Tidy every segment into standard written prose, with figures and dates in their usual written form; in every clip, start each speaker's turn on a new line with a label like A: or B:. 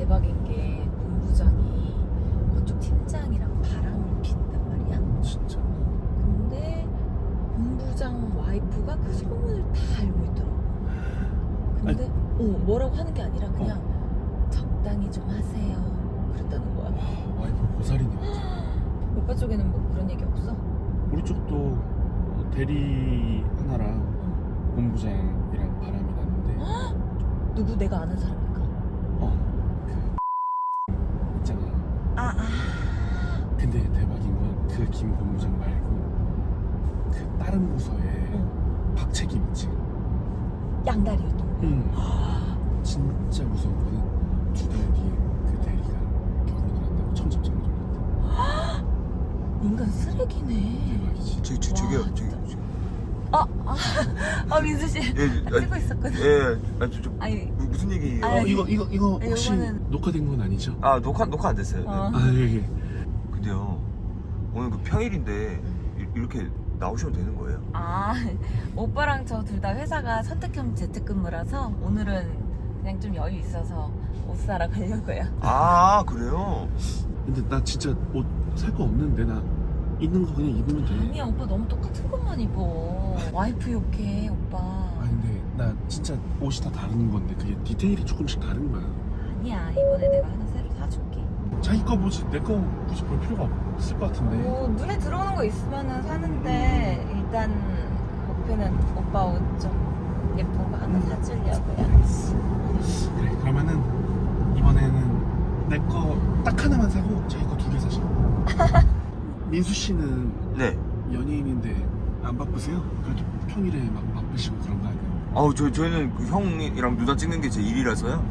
A: 대박인 게 본부장이 그쪽 팀장이랑 바람을 핀단 말이야.
B: 진짜.
A: 근데 본부장 와이프가 그 소문을 다 알고 있더라고. 근데 뭐라고 하는 게 아니라 그냥 적당히 좀 하세요 그랬다는 거야.
B: 와, 와이프 보살이네 완전.
A: 오빠 쪽에는 뭐 그런 얘기 없어?
B: 우리 쪽도 대리 하나랑 본부장이랑 바람이 났는데.
A: 누구 내가 아는 사람인가?
B: 그 있잖아. 근데 대박인 건 그 김 본부장 말고 그 다른 부서에 박책임 있지.
A: 양다리였던 거야.
B: 진짜 무서운 거는 2달 뒤에 그 대리가 결혼을 한다고 청첩장을 올렸대.
A: 인간 쓰레기네.
B: 대박이지.
C: 저기요.
A: 민수 씨. 찍고 있었거든.
C: 아니, 무슨 얘기예요?
B: 이거 혹시
A: 요거는-
B: 녹화된 건 아니죠?
C: 아, 녹화 안 됐어요.
B: 예.
C: 근데요, 오늘 그 평일인데 이렇게 나오시면 되는 거예요?
A: 오빠랑 저 둘 다 회사가 선택형 재택근무라서 오늘은 그냥 좀 여유 있어서 옷 사러 가려고요.
C: 아, 그래요?
B: 근데 나 진짜 옷 살 거 없는데 나 있는 거 그냥 입으면 돼.
A: 아니야, 오빠 너무 똑같은 것만 입어. 와이프 욕해, 오빠.
B: 아니 근데 나 진짜 옷이 다 다른 건데 그게 디테일이 조금씩 다른 거야.
A: 아니야, 이번에 내가 하나 새로 사줄게.
B: 자기 거 보지 내 거 굳이 볼 필요가 없을 것 같은데.
A: 눈에 들어오는 거 있으면 사는데 일단 목표는 오빠 옷 좀 예쁜 거 하나 사주려고요.
B: 그래 그러면은 이번에는 내 거 딱 하나만 사고 자기 거 2개 사자. 민수 씨는
C: 네.
B: 연예인인데 안 바쁘세요? 그래도 평일에 막 바쁘시고 그런 거 아니에요?
C: 저희는 그 형이랑 누나 찍는 게 제 일이라서요.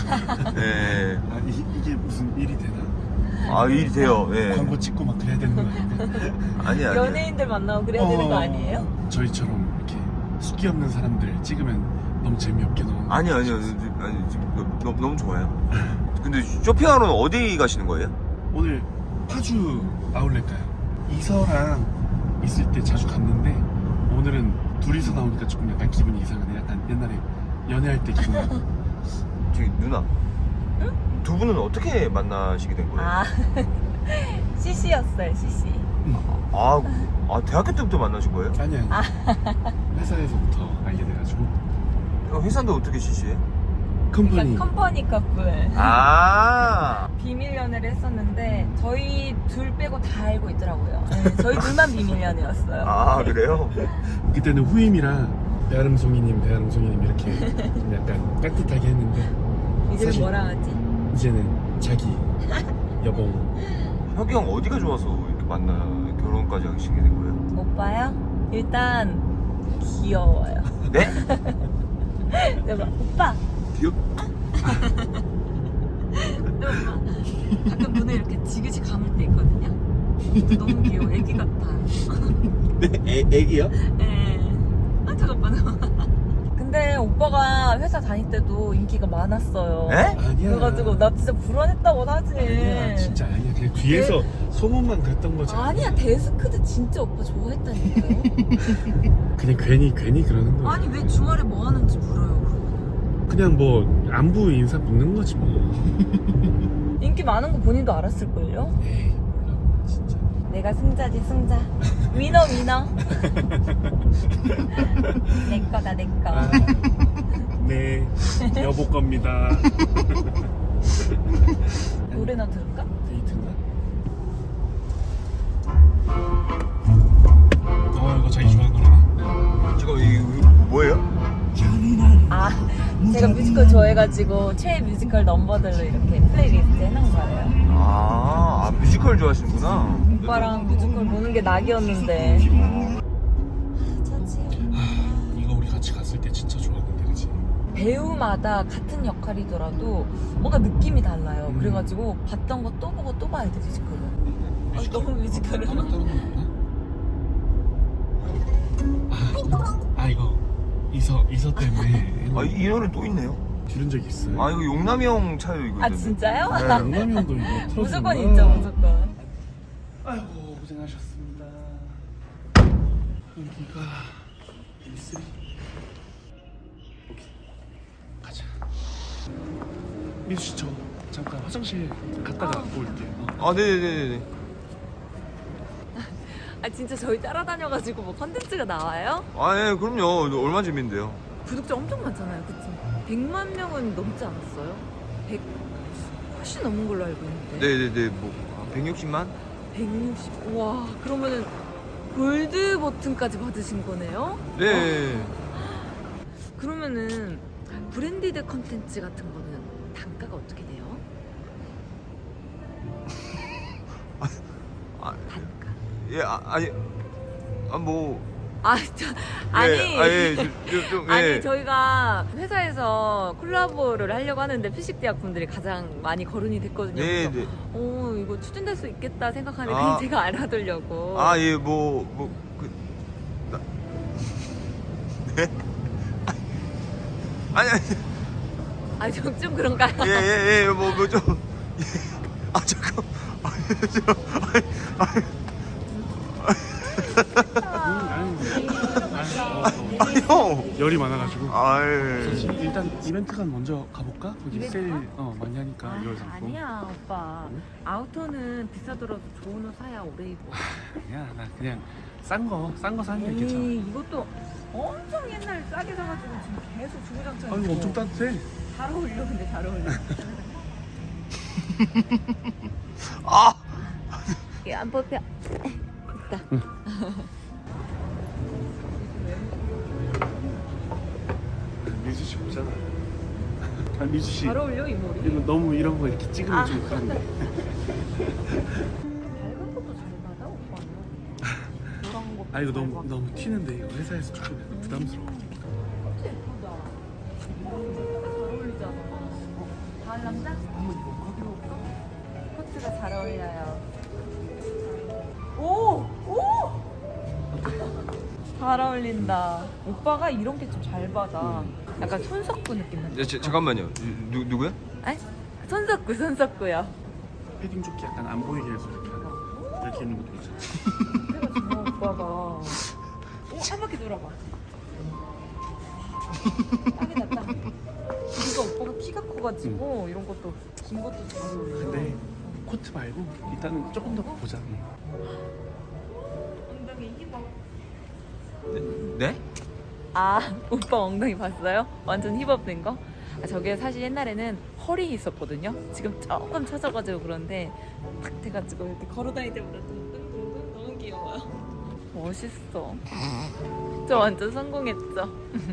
C: 네.
B: 이게 무슨 일이 되나?
C: 일이 돼요. 네.
B: 광고 찍고 막 그래야 되는 거 아닌가?
C: 아니야.
A: 연예인들 만나고 그래야 되는 거 아니에요?
B: 저희처럼 이렇게 숙기 없는 사람들 찍으면 너무 재미없게 너무.
C: 아니요. 지금 너무 좋아요. 근데 쇼핑하러 어디 가시는 거예요?
B: 오늘 파주 아울렛 가요. 이서랑 있을 때 자주 갔는데 오늘은 둘이서 나오니까 조금 약간 기분이 이상하네. 약간 옛날에 연애할 때 기분.
C: 저기 누나. 두 분은 어떻게 만나시게 된 거예요?
A: CC였어요, CC.
C: 대학교 때부터 만나신 거예요?
B: 아니. 회사에서부터 알게 돼가지고.
C: 회사인데 어떻게 CC해?
B: 컴퍼니.
A: 그러니까 컴퍼니 커플. 비밀 연애를 했었는데 저희 둘 빼고 다 알고 있더라고요. 네, 저희 둘만 비밀 연애였어요.
C: 그래요?
B: 그때는 후임이랑 배아름송이님 이렇게 좀 약간 깍듯하게 했는데
A: 이제는
B: 사실
A: 뭐라 하지?
B: 이제는 자기 여봉.
C: 혁이 형 어디가 좋아서 이렇게 결혼까지 하시게 된 거예요?
A: 오빠요? 일단 귀여워요.
C: 네?
A: 내가 오빠.
C: 귀엽?
A: 가끔 눈에 이렇게 지그시 감을 때 있거든요. 너무 귀여워. 애기 같아요.
B: 네? 애기요?
A: 네. 잠깐만. 근데 오빠가 회사 다닐 때도 인기가 많았어요.
C: 에?
B: 아니야.
A: 그래가지고 나 진짜 불안했다고 하지.
B: 아니야 진짜 아니야. 그냥 뒤에서 소문만 그랬던 거지.
A: 아니야, 데스크드 진짜 오빠 좋아했다니까요.
B: 그냥 괜히 그러는 거야.
A: 아니 왜 주말에 뭐 하는지 물어요.
B: 그냥 뭐 안부 인사 묻는 거지 뭐.
A: 인기 많은 거 본인도 알았을걸요?
B: 에이 몰라 진짜.
A: 내가 승자지 승자. 위너. 내 거다 내 거.
B: 네 여보 겁니다.
A: 노래나 들을까?
B: 데이트인가? 이거 자기 좋아하는 노래네.
C: 지금 이거 뭐예요?
A: 제가 뮤지컬 좋아해가지고 최애 뮤지컬 넘버들로 이렇게 플레이리스트 해놓은 거예요.
C: 뮤지컬 좋아하시는구나.
A: 오빠랑 뮤지컬 보는 게 낙이었는데.
B: 이거 우리 같이 갔을 때 진짜 좋았는데 그치?
A: 배우마다 같은 역할이더라도 뭔가 느낌이 달라요. 그래가지고 봤던 거 또 보고 또 봐야 돼, 뮤지컬은. 너무 뮤지컬을.
B: 다른 건 없나? 이거 이서 때문에
C: 이 노래 또 있네요.
B: 들은 적 있어요?
C: 이거 용남이 형 차요 이거.
A: 진짜요?
B: 영남이 형도 이거 틀어주는
A: 무조건
B: 거야?
A: 있죠, 무조건.
B: 아이고 고생하셨습니다. 여기가 B3. 오케이 가자. 민수 씨 저 잠깐 화장실 갔다가 올게요.
C: 아 네네네네.
A: 아 진짜 저희 따라다녀가지고 뭐 컨텐츠가 나와요?
C: 아 예, 그럼요. 얼마나 재밌는데요.
A: 구독자 엄청 많잖아요, 그치? 100만 명은 넘지 않았어요? 100 훨씬 넘은 걸로 알고 있는데.
C: 네네네. 뭐 160만?
A: 160. 와, 그러면은 골드 버튼까지 받으신 거네요?
C: 네.
A: 그러면은 브랜디드 컨텐츠 같은 거는 단가가 어떻게 돼요?
C: 아,
A: 단가.
C: 예, 아니, 뭐,
A: 아니.
C: 예, 좀, 예.
A: 아니 저희가 회사에서 콜라보를 하려고 하는데 피식대학 분들이 가장 많이 거론이 됐거든요.
C: 네,
A: 그래서
C: 네.
A: 이거 추진될 수 있겠다 생각하는데
C: 아.
A: 그냥 제가 알아두려고.
C: 아, 예, 네? 아니,
A: 좀 그런가요?
C: 예, 좀, 예. 잠깐. 형!
B: 열이 많아가지고.
C: 아이.
B: 일단 이벤트관 먼저 가볼까? 거기
A: 이벤트관?
B: 세일 많이 하니까
A: 아,
B: 1월 상품.
A: 아니야 오빠.
B: 응?
A: 아우터는 비싸더라도 좋은 옷 사야 오래 입어.
B: 아니야, 나 그냥 싼 거 사는 게 괜찮아.
A: 이것도 엄청 옛날 싸게 사가지고 지금 계속 주구장창.
B: 아이고 엄청 따뜻해.
A: 잘 어울려 근데 잘 어울려.
C: 아!
A: 이게 안 뽑혀. 됐다.
B: 미수 씨 보잖아. 아, 미수 씨.
A: 잘 어울려 이 머리.
B: 이거 너무 이런 거 이렇게 찍으면
A: 아.
B: 좀 그런데.
A: 밝은 것도 잘 받아 오빠는. 노란 것도.
B: 아 이거
A: 잘
B: 너무
A: 받아.
B: 너무 튀는데 이거 회사에서 조금 부담스러워.
A: 진짜 예쁘다. 잘 어울리잖아. 다른 남자?
B: 한번 입어봐.
A: 코트가 잘 어울려요. 오! 잘 어울린다. 오빠가 이런 게 좀 잘 받아. 약간 손석구 느낌 난다.
C: 잠깐만요. 누구야?
A: 에? 손석구요.
B: 패딩 조끼 약간 안 보이게 해서 이렇게 하는. 이렇게 입는 것도 괜찮아.
A: 제가 정말 오빠가. 한 바퀴 돌아봐. 딱이다 딱. 그리고 오빠가 키가 커가지고 이런 것도 긴 것도 잘 어울려.
B: 근데 코트 말고 일단은 조금 더 보자.
A: 엉덩이 힙업.
C: 네?
A: 아 오빠 엉덩이 봤어요? 완전 힙업된 거? 저게 사실 옛날에는 허리 있었거든요. 지금 조금 처져가지고 그런데 탁 돼가지고 이렇게 걸어다닐 때마다 뚱뚱뚱뚱 너무 귀여워요. 멋있어. 저 완전 성공했죠.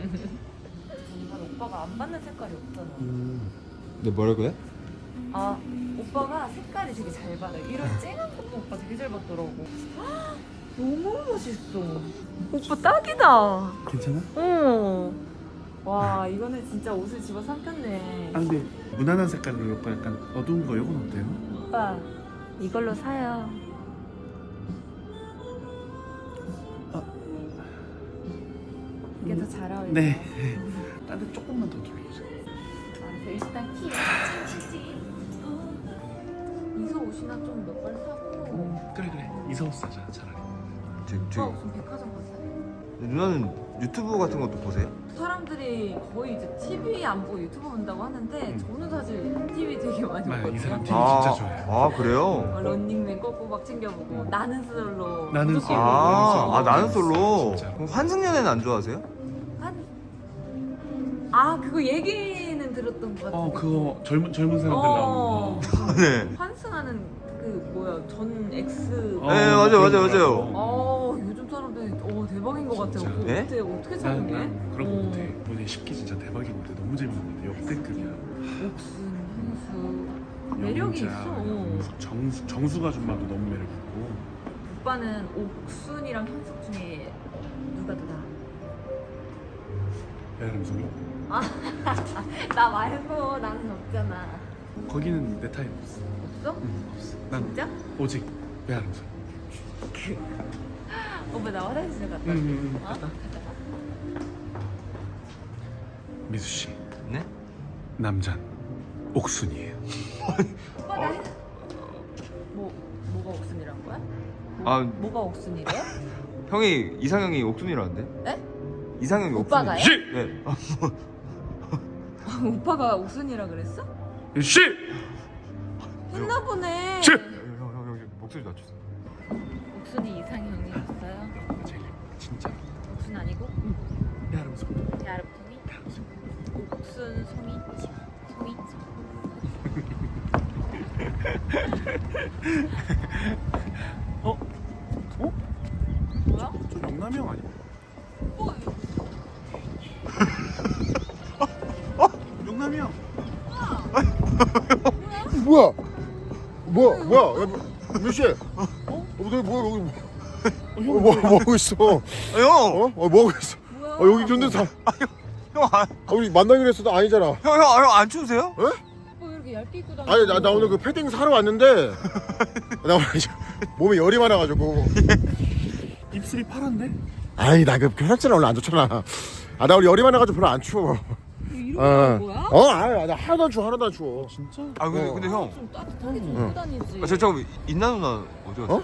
A: 오빠가 안 받는 색깔이 없잖아.
C: 네, 뭐라고요?
A: 아 오빠가 색깔이 되게 잘 받아요. 이런 쨍한 것도 오빠 되게 잘 받더라고. 헉, 너무 멋있어. 오빠 딱이다.
B: 괜찮아?
A: 어. 와 이거는 진짜 옷을 집어 삼켰네.
B: 아 근데 무난한 색깔로 이거 약간 어두운 거 이건 어때요?
A: 오빠 이걸로 사요. 이게 더 잘 어울려.
B: 네. 딴데 조금만 더 돌려줘.
A: 알았어. 일단 키 이소 옷이나 좀 몇 벌 사고.
B: 그래 이서 사자 차라리.
C: 저
A: 무슨 백화점 갔어요?
C: 누나는 유튜브 같은 것도 보세요?
A: 사람들이 거의 이제 TV 안 보고 유튜브 본다고 하는데 저는 사실 TV 되게 많이
B: 맞아, 이
A: 보거든요.
B: 사람 TV 진짜 좋아해요.
C: 아, 그래요?
A: 런닝맨 꼬꼬박 챙겨보고 나는 솔로
B: 나는
A: 무조건
B: 솔로.
A: 보고.
C: 나는 솔로.
B: 진짜.
C: 그럼 환승연애는 안 좋아하세요?
A: 그거 얘기는 들었던 것 같은데.
B: 그거 젊은 사람들 나오는 거.
C: 네.
A: 환승하는 그 뭐야 전 X.
C: 네, 맞아요.
A: 요즘 사람들 대박인 것 같아요.
B: 진짜.
A: 그거
C: 네?
A: 어떻게 찾은 게?
B: 난 그런 거 못해. 이번에 10기 진짜 대박인데 너무 재밌는데 역대급이야.
A: 옥순, 현수 매력이 있어.
B: 정수가 좀 봐도 너무 매력 있고.
A: 오빠는 옥순이랑 현숙 중에 누가 더 나아?
B: 배아람송이?
A: 나 말고 나는 없잖아.
B: 거기는 내 타입 없어.
A: 없어?
B: 없어. 난
A: 진짜?
B: 오직 배아람송.
A: 오빠 나 화장실 좀 갔다 올게.
B: 갔다. 미수 씨,
C: 네?
B: 남잔 옥순이에요.
A: 오빠 나 뭐가 옥순이란 거야? 뭐가 옥순이래?
C: 형이 이상형이 옥순이라는데?
A: 에?
C: 이상형이
A: 오빠가요?
C: 옥순이. 네.
A: 오빠가 옥순이라 그랬어?
B: 씨!
A: 했나 보네.
C: 형 목소리 낮췄어.
A: 옥순이 이상형이었어요?
B: 제일 진짜.
A: 옥순 아니고?
B: 야름소.
A: 야름송이? 옥순 송이? 송이?
B: 어? 어?
A: 뭐야?
B: 저 영남형 아니야? 영남형.
D: 뭐야? 뭐야? 야, 몇 시에? 너 뭐야 여기? 뭐 하고 있어?
C: 형!
D: 뭐 하고 있어?
A: 뭐야?
D: 여기 근데 다
C: 형,
D: 우리 만나기로 했어도 아니잖아.
C: 형 안 추우세요?
A: 뭐 이렇게 얇게 입고 다니는
D: 아니 나 오늘 그 패딩 사러 왔는데 나 오늘 몸에 열이 많아가지고.
B: 입술이 파란데?
D: 아니 나 그 혈액순환 원래 안 좋잖아. 나 오늘 열이 많아가지고 별로 안 추워.
A: 이러고 다니는 거야?
D: 아니 나 하나도 안 추워 하나도 안 추워.
B: 진짜?
C: 아 근데 형.
A: 좀 따뜻하게 좀 입고 다니지.
C: 저 인나 누나 어디 갔어?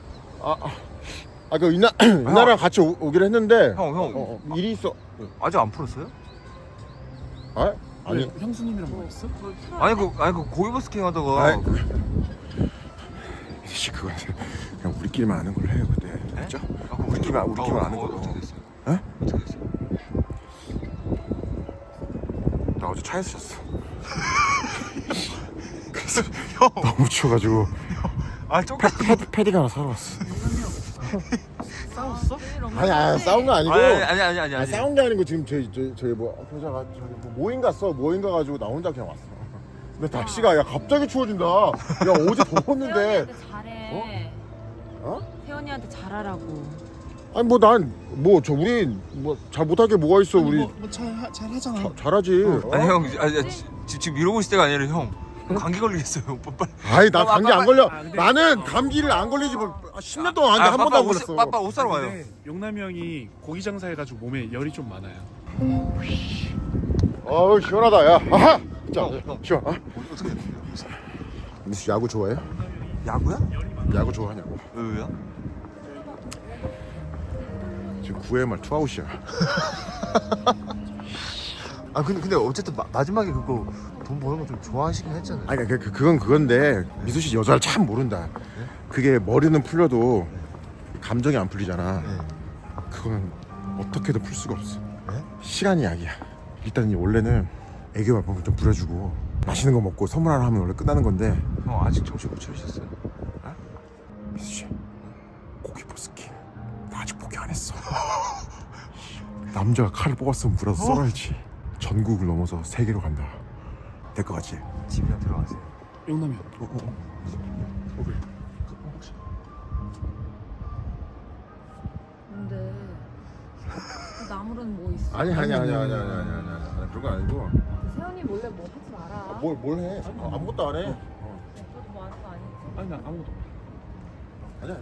D: 그 이나랑 같이 오기로 했는데.
C: 형.
D: 일이 있어.
C: 아직 안 풀었어요?
D: 아니.
B: 형수님이랑 뭐 했어?
C: 아니 그 고기버스킹 하다가
D: 아이, 씨 그거 그냥 우리끼리만 아는 걸로 해요 그때. 알죠? 우리끼리만 아는 걸로.
C: 어떻게 됐어요?
D: 에?
C: 어떻게 됐어요?
D: 나 어제 차에서 잤어. 그래서 너무 추워가지고 패딩 하나 사러 왔어.
B: 싸웠어?
D: 아니 싸운 거 아니고.
C: 아니.
D: 싸운 게 아니고 지금 저희 뭐 회사가 저기 뭐 모임 가가지고 나 혼자 그냥 왔어. 근데 날씨가 야 갑자기 추워진다. 야 어제 더웠는데.
A: 세연이한테 잘해. 세연이한테 잘하라고.
D: 아니 뭐 난 뭐 저 우리 뭐 잘 못하게 뭐가 있어 우리.
B: 잘 하잖아.
D: 잘하지.
C: 아니 형 지금 이러고 있을 때가 아니라 형 감기 걸리겠어요. 빨리.
D: 아이 나 감기 안 걸려.
B: 근데-
D: 나는 감기를 안 걸리지 뭐 10년 동안 한 번도 안 걸렸어.
C: 빠빠 옷 사러 와요.
B: 근데 용남이 형이 고기 장사해가지고 몸에 열이 좀 많아요.
D: 어우 시원하다 야. 아하. 자
C: 형.
D: 시원.
C: 어떻게 됐어요?
D: 민수 야구 좋아해?
C: 야구야?
D: 야구 좋아하냐고.
C: 왜요?
D: 지금 9회 말 투아웃이야.
C: 아 근데 어쨌든 마지막에 그거 돈 버는 거 좀 좋아하시긴 했잖아요.
D: 아니 그건 그건데 미수 씨 여자를 참 모른다. 그게 머리는 풀려도 감정이 안 풀리잖아. 그거는 어떻게든 풀 수가 없어. 시간이 약이야. 일단 원래는 애교 발품을 좀 부려주고 맛있는 거 먹고 선물 하나 하면 원래 끝나는 건데.
C: 형 아직 정신 못 차리셨어요?
D: 미수 씨 고기 버스킹 나 아직 포기 안 했어. 남자가 칼을 뽑았으면 물어서 썰어야지. 전국을 넘어서 세계로 간다. 될 것 같지?
C: 집이나 들어가세요.
B: 용남이 형.
D: 그래.
A: 근데 나무는 뭐 있어?
D: 아니 그런 거 아니고.
A: 세연이 몰래 뭐 하지 마라.
D: 뭘 해? 아무것도 안 해.
A: 너도 뭐 하는 거 아니지?
B: 아니 나 아무것도.
D: 아니야.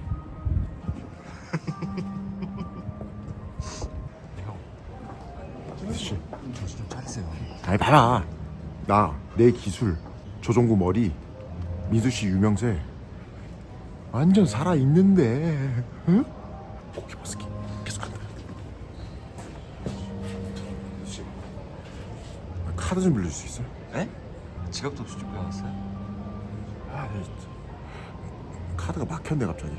D: 씨.
C: 정신 좀 차리세요.
D: 아니 봐라. 나 내 기술 조종구 머리 민수 씨 유명세 완전 살아 있는데. 응? 고기 버스킹 계속한다. 민수 씨 카드 좀 빌려줄 수 있어요?
C: 에? 지갑도 없이 준비해왔어요?
D: 아, 네, 진짜. 카드가 막혔네 갑자기.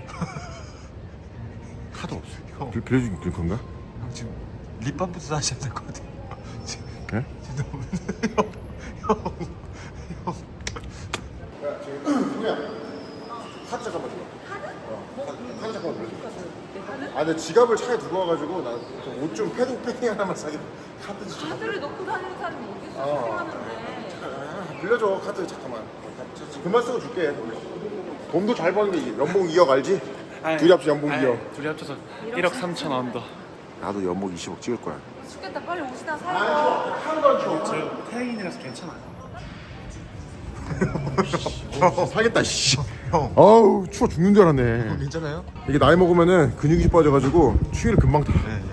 D: 카드 없어.
C: 형.
D: 빌려줄 건가?
C: 형 지금 립밤부터 사셔야 될 것 같아요.
D: 네?
C: 지금 너무
D: 카드 잠깐만 줘. 카드 잠깐만 빌려줘. 아, 내 지갑을 차에 두고 와가지고 나 옷 좀 패딩 하나만 사게. 카드 좀.
A: 카드를 넣고 다니는 사람이 어디 있어?
D: 어.
A: 쇼핑하는데.
D: 빌려줘 카드 잠깐만. 그만 쓰고 줄게. 돈도 잘 버는 게 연봉 2억 알지? 둘이 합쳐 연봉 2억.
B: 둘이 합쳐서 1억 3천 원 더.
D: 나도 연봉 20억 찍을 거야.
A: 죽겠다. 빨리 옷이나 사입어.
D: 하나도 안 추워.
B: 저 태양인이라서 괜찮아요.
D: 사겠다 씨. 어우 추워 죽는 줄 알았네.
C: 괜찮아요?
D: 이게 나이 먹으면은 근육이 빠져가지고 추위를 금방 타.
C: 네.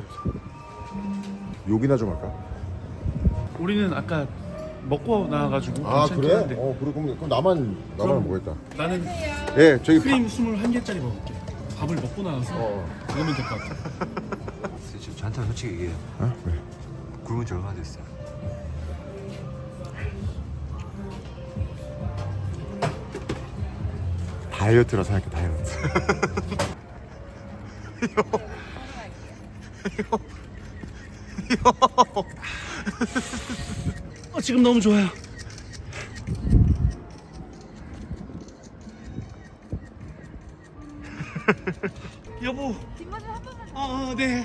D: 욕이나 좀 할까?
B: 우리는 아까 먹고 나와가지고
D: 아
B: 괜찮긴
D: 그래?
B: 한데.
D: 그럼 나만 먹겠다.
B: 나는
D: 예 저기
B: 크림 21개짜리 먹을게. 밥을 먹고 나와서 먹으면 될 것 같아.
C: 지금 저한테 솔직히 얘기해요.
D: 왜?
C: 굶은 지 얼마나 됐어요?
D: 다이어트라 생각해 다이어트.
B: 지금 너무 좋아요. 여보.
A: 뒷모습 한 번만.
B: 네.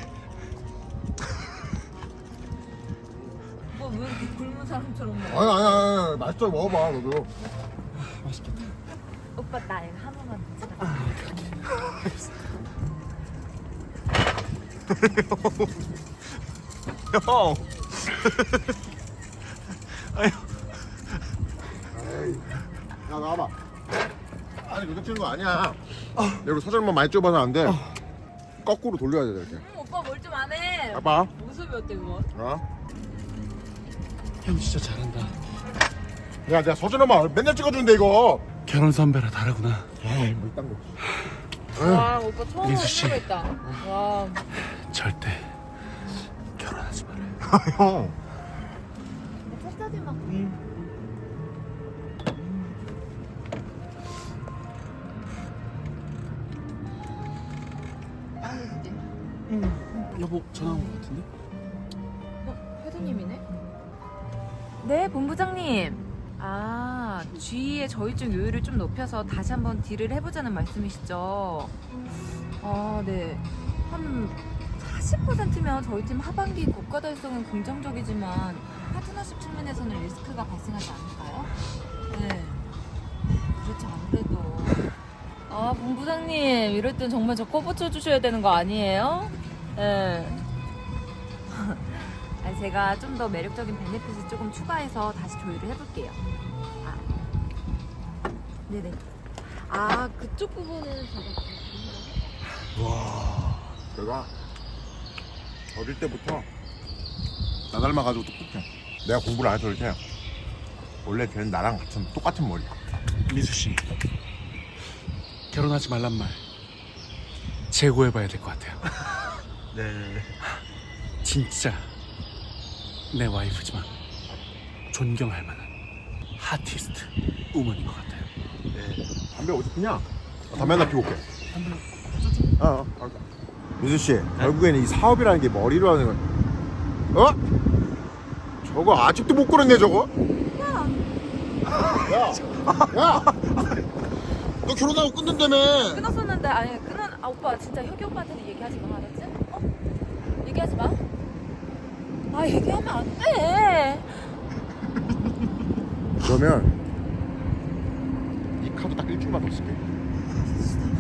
A: 뭐왜 이렇게 굶은 사람처럼 먹어?
D: 아니 맛있어 먹어봐 너도.
B: 맛있겠다.
A: 오빠 나 이거 한 번만 찍어.
C: 형.
D: 야 나와봐. 아니 그렇게 치는 거 아니야. 내가 사절만 많이 좁아서 안 돼. 거꾸로 돌려야 돼 이렇게.
A: 오빠 뭘 좀 안 해.
D: 봐봐.
A: 모습이 어때 그거?
B: 형 진짜 잘한다.
D: 야 내가 서준엄마 맨날 찍어주는데 이거.
B: 결혼 선배라 다르구나.
D: 에이 뭐 이딴 거.
A: 와 오빠 처음
B: 민수 씨.
A: 했다. 와.
B: 절대 결혼하지 말아요.
C: 형.
A: 첫사진만.
B: 여보 전화 온 것 같은데?
A: 회장님이네? 네, 본부장님. 아, G의 저희증 요율을 좀 높여서 다시 한번 딜을 해보자는 말씀이시죠? 아, 네. 한 40%면 저희 팀 하반기 고가 달성은 긍정적이지만 파트너십 측면에서는 리스크가 발생하지 않을까요? 네. 그렇죠, 아무래도. 아, 본부장님. 이럴 땐 정말 저 꺼붙여 주셔야 되는 거 아니에요? 네. 아니, 제가 좀 더 매력적인 베네핏을 조금 추가해서 다시 조율을 해볼게요. 아, 네네. 아, 그쪽 부분은 제가.
D: 와. 내가 어릴 때부터 나 닮아가지고 똑똑해. 내가 공부를 안 해서 그렇지. 원래 걔는 나랑 같은 똑같은 머리야.
B: 민수 씨 결혼하지 말란 말 재고해봐야 될 것 같아요.
C: 네.
B: 진짜 내 와이프지만 존경할 만한 하티스트 우먼인 것 같아요.
D: 담배 어디 피냐? 담배 하나 피고 올게. 민수 씨, 결국에는 이 사업이라는 게 머리로 하는 거야. 어? 저거 아직도 못 끊었네 저거. 야, 너 결혼하고 끊는다며.
A: 끊었었는데, 아니, 아, 오빠 진짜 혁이 오빠한테는 얘기하지 마, 알았지? 어? 얘기하지 마. 아, 얘기하면 안 돼.
D: 그러면 이 카드 딱 일주일만 더 쓸게.